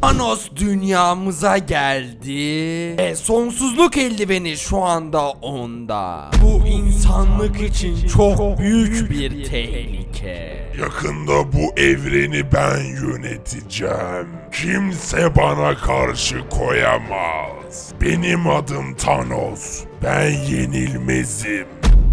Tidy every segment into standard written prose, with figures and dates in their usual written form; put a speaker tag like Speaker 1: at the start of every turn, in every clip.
Speaker 1: Thanos dünyamıza geldi ve sonsuzluk eldiveni şu anda onda. Bu insanlık için çok büyük bir tehlike.
Speaker 2: Yakında bu evreni ben yöneteceğim. Kimse bana karşı koyamaz. Benim adım Thanos. Ben yenilmezim.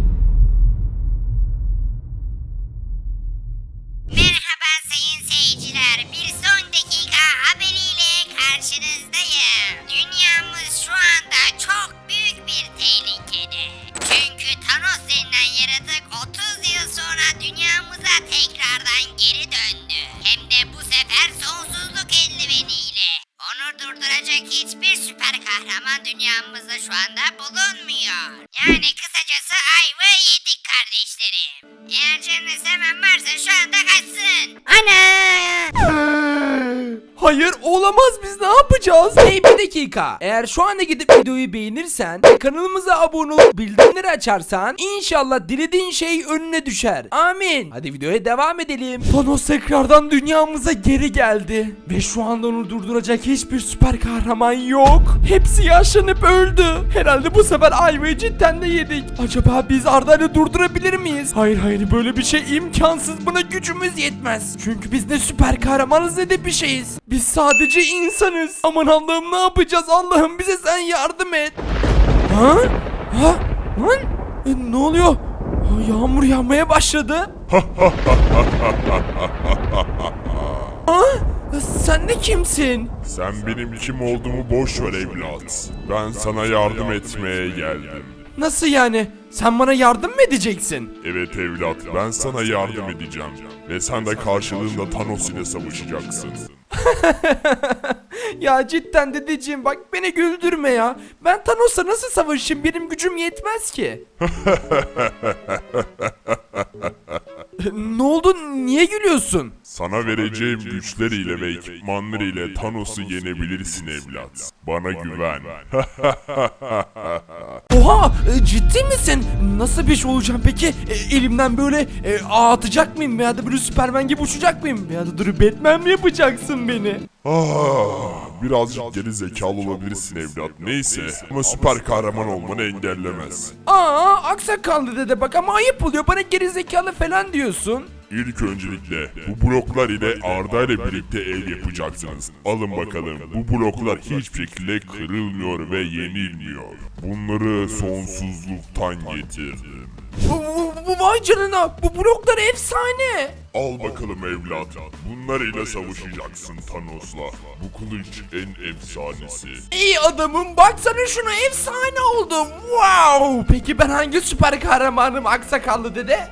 Speaker 3: Merhaba sayın seyirciler. Bir son dakika haberiyle karşınızdayım. Dünyamız şu anda çok büyük bir tehlikede. Çünkü Thanos denilen yaratık 30 yıl sonra dünyamıza tekrardan geri döndü. Hem de bu sefer sonsuzluk eldiveniyle. Onu durduracak hiçbir süper kahraman dünyamızda şu anda bulunmuyor. Yani kısacası ayva yedik kardeşlerim. Eğer canınız hemen varsa şu anda kaçsın. Ana!
Speaker 1: Hayır olamaz, biz ne yapacağız? Hey bir dakika. Eğer şu anda gidip videoyu beğenirsen ve kanalımıza abone olup bildirimleri açarsan inşallah dilediğin şey önüne düşer. Amin. Hadi videoya devam edelim. Thanos tekrardan dünyamıza geri geldi. Ve şu anda onu durduracak hiçbir süper kahraman yok. Hepsi yaşlanıp öldü. Herhalde bu sefer ayvayı cidden de yedik. Acaba biz Arda'yı durdurabilir miyiz? Hayır böyle bir şey imkansız. Buna gücümüz yetmez. Çünkü biz ne süper kahramanız ne de bir şeyiz. Biz sadece insanız. Aman Allah'ım ne yapacağız? Allah'ım bize sen yardım et. Ha? Ha? Lan? Ne oluyor? Yağmur yağmaya başladı. Ha? Sen de kimsin?
Speaker 2: Sen benim kim olduğumu boş ver evlat. Ben sana yardım etmeye geldim.
Speaker 1: Nasıl yani? Sen bana yardım mı edeceksin?
Speaker 2: Evet evlat, ben sana yardım edeceğim. Ve sen de karşılığında Thanos ile savaşacaksın.
Speaker 1: Ya cidden dedeciğim bak beni güldürme ya. Ben Thanos'la nasıl savaşayım? Benim gücüm yetmez ki. Ne oldu? Niye gülüyorsun?
Speaker 2: Sana vereceğim güçleriyle ve ekipmanlarıyla Thanos'u yenebilirsin evlat. Bana güven.
Speaker 1: Oha! Ciddi misin? Nasıl bir şey olacağım peki? Elimden böyle ağ atacak mıyım? Veya da böyle Superman gibi uçacak mıyım? Veya da dur Batman mi yapacaksın beni?
Speaker 2: Birazcık geri zekalı olabilirsin evlat. Neyse ama süper kahraman olmanı engellemez.
Speaker 1: Aksakallı dede bak ama ayıp oluyor. Bana gerizekalı falan diyorsun.
Speaker 2: İlk öncelikle bu bloklar ile Arda ile birlikte ev yapacaksınız. Alın bakalım, bu bloklar hiçbir şekilde kırılmıyor ve yenilmiyor. Bunları sonsuzluktan getirdim.
Speaker 1: Vay canına, bu bloklar efsane.
Speaker 2: Al bakalım evlat, bunlarıyla savaşacaksın Thanos'la. Bu kılıç en efsanesi.
Speaker 1: İyi adamım, baksana şuna, efsane oldum. Wow. Peki ben hangi süper kahramanım aksakallı dede?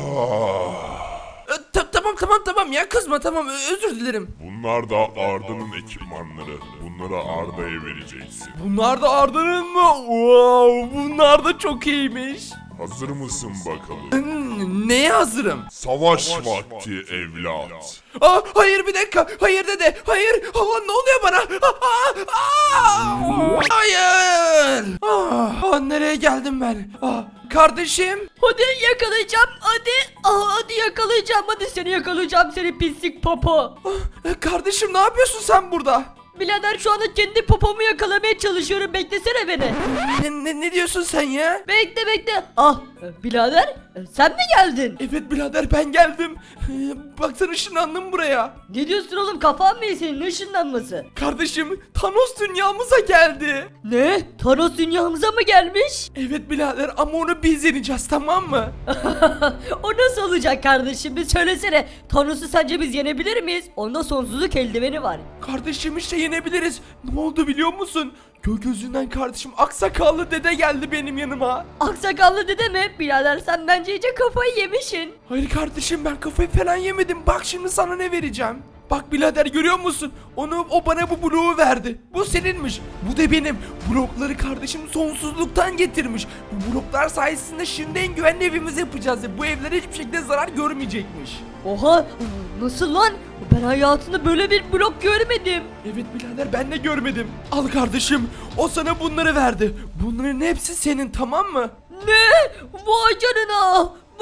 Speaker 1: Tamam ya, kızma, tamam, özür dilerim.
Speaker 2: Bunlar da Arda'nın ekipmanları. Bunları Arda'ya vereceksin.
Speaker 1: Bunlar da Arda'nın mı? Wow, bunlar da çok iyiymiş.
Speaker 2: Hazır mısın bakalım?
Speaker 1: Neye hazırım?
Speaker 2: Savaş vakti evlat.
Speaker 1: Hayır bir dakika. Hayır dede. Hayır. Ne oluyor bana? Hayır. Nereye geldim ben? Kardeşim.
Speaker 4: Hadi yakalayacağım hadi. Hadi yakalayacağım, hadi seni yakalayacağım, seni pislik popo.
Speaker 1: Kardeşim ne yapıyorsun sen burada?
Speaker 4: Birader şu anda kendi popomu yakalamaya çalışıyorum, beklesene beni.
Speaker 1: Ne diyorsun sen ya?
Speaker 4: Bekle. Birader sen mi geldin?
Speaker 1: Evet birader ben geldim. Baksana ışınlandım buraya.
Speaker 4: Ne diyorsun oğlum, kafan mı iyi senin, ne ışınlanması?
Speaker 1: Kardeşim Thanos dünyamıza geldi.
Speaker 4: Ne? Thanos dünyamıza mı gelmiş?
Speaker 1: Evet birader ama onu biz yeneceğiz, tamam mı?
Speaker 4: O nasıl olacak kardeşim, bir söylesene. Thanos'u sence biz yenebilir miyiz? Onda sonsuzluk eldiveni var.
Speaker 1: Kardeşim işte yenebiliriz. Ne oldu biliyor musun? Gökyüzünden kardeşim aksakallı dede geldi benim yanıma.
Speaker 4: Aksakallı dede mi? Birader sen bence iyice kafayı yemişsin.
Speaker 1: Hayır kardeşim ben kafayı falan yemedim. Bak şimdi sana ne vereceğim. Bak birader görüyor musun? O bana bu bloğu verdi. Bu seninmiş. Bu da benim. Blokları kardeşim sonsuzluktan getirmiş. Bu bloklar sayesinde şimdi en güvenli evimizi yapacağız. Bu evler hiçbir şekilde zarar görmeyecekmiş.
Speaker 4: Oha, nasıl lan? Ben hayatımda böyle bir blok görmedim.
Speaker 1: Evet birader ben de görmedim. Al kardeşim. O sana bunları verdi. Bunların hepsi senin, tamam mı?
Speaker 4: Ne? Vay canına. Bu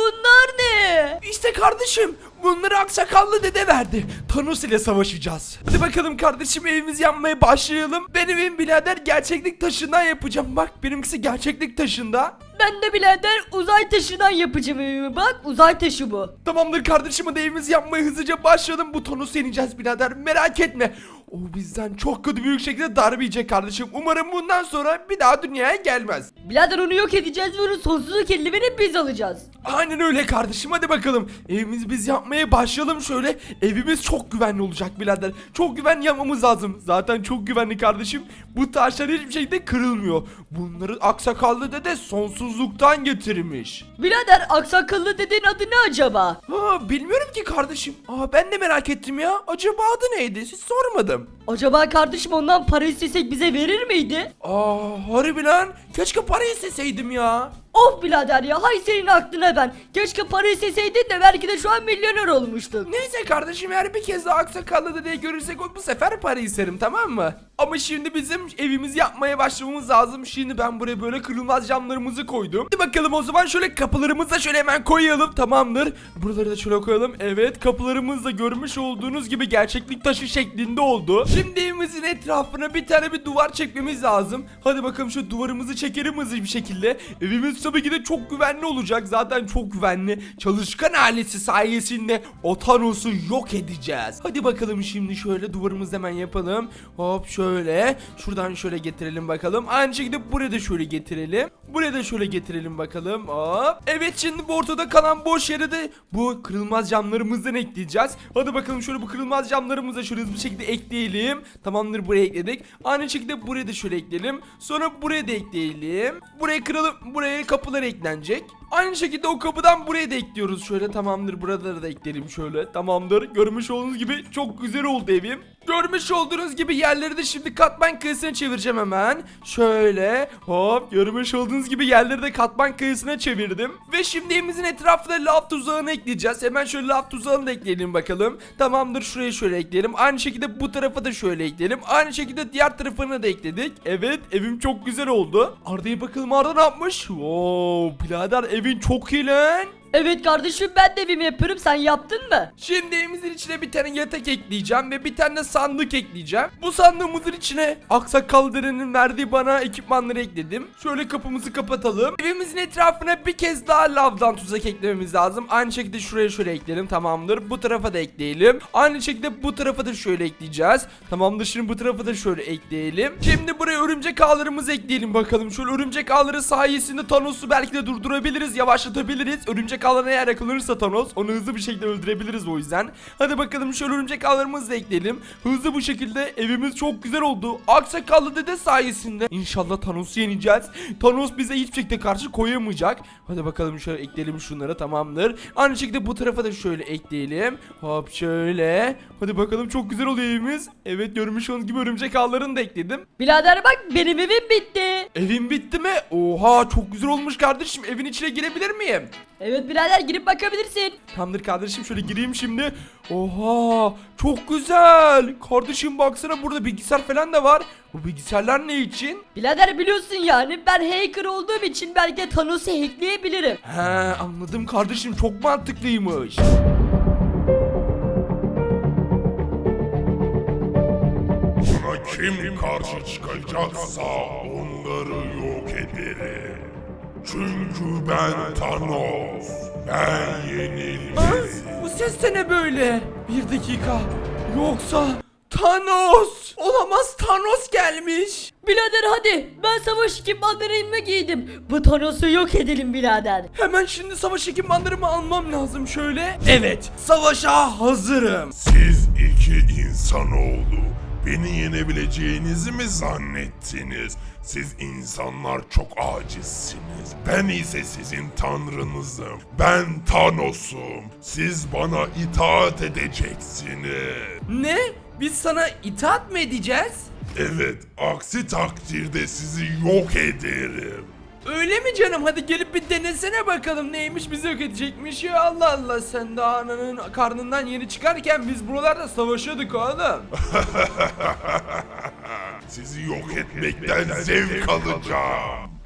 Speaker 4: bunlar ne?
Speaker 1: İşte kardeşim bunları aksakallı dede verdi. Thanos ile savaşacağız. Hadi bakalım kardeşim evimizi yapmaya başlayalım. Benim evim birader gerçeklik taşından yapacağım. Bak benimkisi gerçeklik taşında.
Speaker 4: Ben de birader uzay taşından yapacağım evimi, bak uzay taşı bu.
Speaker 1: Tamamdır kardeşim hadi evimizi yapmaya hızlıca başlayalım. Bu Thanos'u yeneceğiz birader merak etme. O bizden çok kötü büyük şekilde darbe yiyecek kardeşim. Umarım bundan sonra bir daha dünyaya gelmez.
Speaker 4: Birader onu yok edeceğiz ve onun sonsuzluk eldivenini biz alacağız.
Speaker 1: Aynen öyle kardeşim hadi bakalım. Evimizi biz yapmaya başlayalım şöyle. Evimiz çok güvenli olacak birader. Çok güvenli yapmamız lazım. Zaten çok güvenli kardeşim. Bu taşlar hiçbir şekilde kırılmıyor. Bunları aksakallı dede sonsuzluktan getirmiş.
Speaker 4: Birader aksakallı dediğin adı ne acaba?
Speaker 1: Ha, bilmiyorum ki kardeşim. Ben de merak ettim ya. Acaba adı neydi? Hiç sormadım.
Speaker 4: Acaba kardeşim ondan para istesek bize verir miydi?
Speaker 1: Harbi lan. Keşke para isteseydim ya.
Speaker 4: Of birader ya, hay senin aklına ben. Keşke para isteseydin de belki de şu an milyoner olmuştuk.
Speaker 1: Neyse kardeşim eğer bir kez daha aksakallı dedeyi görürsek bu sefer para isterim tamam mı? Ama şimdi bizim evimizi yapmaya başlamamız lazım. Şimdi ben buraya böyle kırılmaz camlarımızı koydum. Hadi bakalım o zaman şöyle kapılarımızı da şöyle hemen koyalım tamamdır. Buraları da şöyle koyalım. Evet kapılarımız da görmüş olduğunuz gibi gerçeklik taşı şeklinde oldu. Şimdi evimizin etrafına bir tane bir duvar çekmemiz lazım. Hadi bakalım şu duvarımızı çekelim hızlı bir şekilde. Evimiz tabii ki de çok güvenli olacak. Zaten çok güvenli. Çalışkan ailesi sayesinde o Thanos'u yok edeceğiz. Hadi bakalım şimdi şöyle duvarımızı hemen yapalım. Hop şöyle. Şuradan şöyle getirelim bakalım. Aynı şekilde buraya da şöyle getirelim. Buraya da şöyle getirelim bakalım. Hop. Evet şimdi bu ortada kalan boş yere de bu kırılmaz camlarımızdan ekleyeceğiz. Hadi bakalım şöyle bu kırılmaz camlarımızı da şöyle hızlı bir şekilde ekleyelim. Tamamdır buraya ekledik. Aynı şekilde buraya da şöyle ekleyelim. Sonra buraya da ekleyelim. Buraya kıralım. Buraya kapılar eklenecek. Aynı şekilde o kapıdan buraya da ekliyoruz şöyle tamamdır buraları da ekleyelim şöyle tamamdır. Görmüş olduğunuz gibi çok güzel oldu evim. Görmüş olduğunuz gibi yerleri de şimdi katman kayısına çevireceğim hemen. Şöyle hop görmüş olduğunuz gibi yerleri de katman kayısına çevirdim. Ve şimdi evimizin etrafına lav tuzağını ekleyeceğiz. Hemen şöyle lav tuzağını da ekleyelim bakalım. Tamamdır şuraya şöyle ekleyelim. Aynı şekilde bu tarafa da şöyle ekleyelim. Aynı şekilde diğer tarafına da ekledik. Evet evim çok güzel oldu. Arda'ya bakalım Arda ne yapmış? Wow birader evin çok iyi lan.
Speaker 4: Evet kardeşim ben de evimi yapıyorum, sen yaptın mı?
Speaker 1: Şimdi evimizin içine bir tane yatak ekleyeceğim ve bir tane de sandık ekleyeceğim. Bu sandığımızın içine Aksakal dedenin verdiği bana ekipmanları ekledim. Şöyle kapımızı kapatalım. Evimizin etrafına bir kez daha lavdan tuzak eklememiz lazım. Aynı şekilde şuraya şöyle ekleyelim tamamdır. Bu tarafa da ekleyelim. Aynı şekilde bu tarafa da şöyle ekleyeceğiz. Tamamdır şimdi bu tarafa da şöyle ekleyelim. Şimdi buraya örümcek ağlarımızı ekleyelim bakalım. Şöyle örümcek ağları sayesinde Thanos'u belki de durdurabiliriz, yavaşlatabiliriz. Örümcek ağlarına eğer yakalanırsa Thanos onu hızlı bir şekilde öldürebiliriz o yüzden. Hadi bakalım şöyle örümcek ağlarımızı da ekleyelim. Hızlı bu şekilde evimiz çok güzel oldu. Aksakallı dede sayesinde İnşallah Thanos'u yeneceğiz. Thanos bize hiçbir şekilde karşı koyamayacak. Hadi bakalım şöyle ekleyelim şunları tamamdır. Aynı şekilde bu tarafa da şöyle ekleyelim. Hop şöyle. Hadi bakalım çok güzel oluyor evimiz. Evet görmüş olduğunuz gibi örümcek ağlarını da ekledim.
Speaker 4: Birader bak benim evim bitti.
Speaker 1: Evin bitti mi? Oha çok güzel olmuş kardeşim. Evin içine girebilir miyim?
Speaker 4: Evet birader girip bakabilirsin.
Speaker 1: Tamamdır kardeşim şöyle gireyim şimdi. Oha çok güzel. Kardeşim baksana burada bilgisayar falan da var. Bu bilgisayarlar ne için?
Speaker 4: Birader biliyorsun yani ben hacker olduğum için belki de Thanos'u hackleyebilirim.
Speaker 1: He anladım kardeşim çok mantıklıymış.
Speaker 2: Buna kim karşı çıkacaksa onları yok ederim. Çünkü ben Thanos. Ben yenilmez.
Speaker 1: Bu ses de ne böyle? Bir dakika. Yoksa Thanos. Olamaz Thanos gelmiş.
Speaker 4: Birader hadi ben savaş ekipmanlarımı giydim. Bu Thanos'u yok edelim birader.
Speaker 1: Hemen şimdi savaş ekipmanlarımı almam lazım şöyle. Evet savaşa hazırım.
Speaker 2: Siz iki insanoğlu beni yenebileceğinizi mi zannettiniz? Siz insanlar çok acizsiniz. Ben ise sizin tanrınızım. Ben Thanos'um. Siz bana itaat edeceksiniz.
Speaker 1: Ne? Biz sana itaat mı edeceğiz?
Speaker 2: Evet, aksi takdirde sizi yok ederim.
Speaker 1: Öyle mi canım? Hadi gelip bir denesene bakalım neymiş bizi yok edecekmiş ya Allah Allah sen daha ananın karnından yeni çıkarken biz buralarda savaşıyorduk oğlum.
Speaker 2: Sizi yok etmekten zevk alacağım.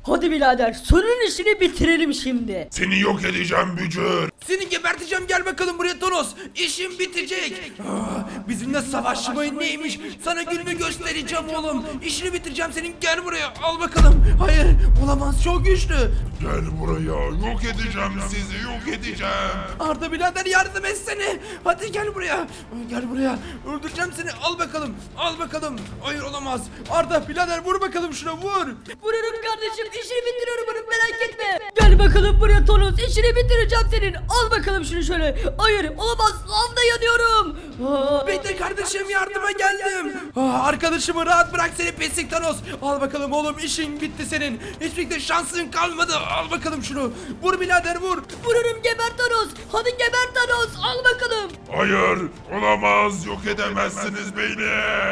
Speaker 4: Hadi birader sonun işini bitirelim şimdi.
Speaker 2: Seni yok edeceğim bücür.
Speaker 1: Seni geberteceğim, gel bakalım buraya Tonos. İşim bitecek. Bizimle savaşmayın neymiş? Sana gününü göstereceğim oğlum. İşini bitireceğim senin, gel buraya, al bakalım. Hayır, olamaz, çok güçlü.
Speaker 2: Gel buraya, yok edeceğim sizi, yok edeceğim.
Speaker 1: Arda birader yardım etsene. Hadi gel buraya. Gel buraya. Öldüreceğim seni. Al bakalım. Al bakalım. Hayır, olamaz. Arda birader vur bakalım şuna, vur.
Speaker 4: Vururum kardeşim işini bitiriyorum bunu merak etme. Gel bakalım buraya Tonos işini bitireceğim senin. Al bakalım şunu şöyle. Hayır olamaz lavda yanıyorum.
Speaker 1: Bekle kardeşim, yardıma geldim. Arkadaşımı rahat bırak seni pislik Thanos. Al bakalım oğlum, işin bitti senin. Hiçbir şansın kalmadı. Al bakalım şunu. Vur birader vur.
Speaker 4: Vururum geber Thanos. Hadi geber Thanos al bakalım.
Speaker 2: Hayır, olamaz, yok edemezsiniz beni.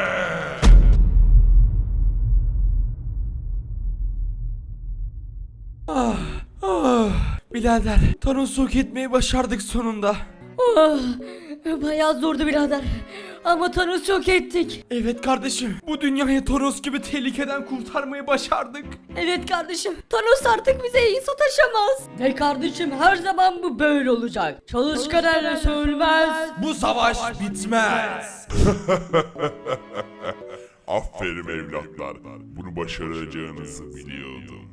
Speaker 1: Birader Thanos'u yok etmeyi başardık sonunda.
Speaker 4: Oh, bayağı zordu birader. Ama Thanos'u yok ettik.
Speaker 1: Evet kardeşim, bu dünyayı Thanos gibi tehlikeden kurtarmayı başardık.
Speaker 4: Evet kardeşim Thanos artık bize iyi sataşamaz. Ve kardeşim her zaman bu böyle olacak. Çalışkan elle sönmez.
Speaker 1: Bu savaş bitmez.
Speaker 2: Aferin evlatlar, bunu başaracağınızı biliyordum.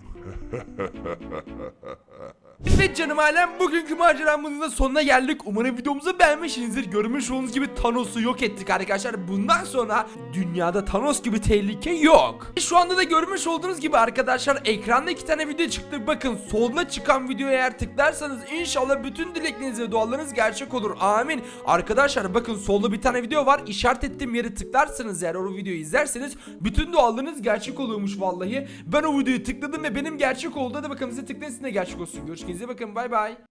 Speaker 1: Evet canım ailem, bugünkü maceramızın da sonuna geldik. Umarım videomuzu beğenmişsinizdir. Görmüş olduğunuz gibi Thanos'u yok ettik arkadaşlar. Bundan sonra dünyada Thanos gibi tehlike yok. Şu anda da görmüş olduğunuz gibi arkadaşlar ekranda 2 tane video çıktı. Bakın solda çıkan videoya eğer tıklarsanız inşallah bütün dilekleriniz ve dualarınız gerçek olur. Amin. Arkadaşlar bakın solda bir tane video var. İşaret ettiğim yere tıklarsanız eğer o videoyu izlerseniz bütün dualarınız gerçek oluyormuş vallahi. Ben o videoyu tıkladım ve benim gerçek oldu. Hadi bakalım size tıklayın, sizin de gerçek olsun. Görüşürüz. Bakın bay bay.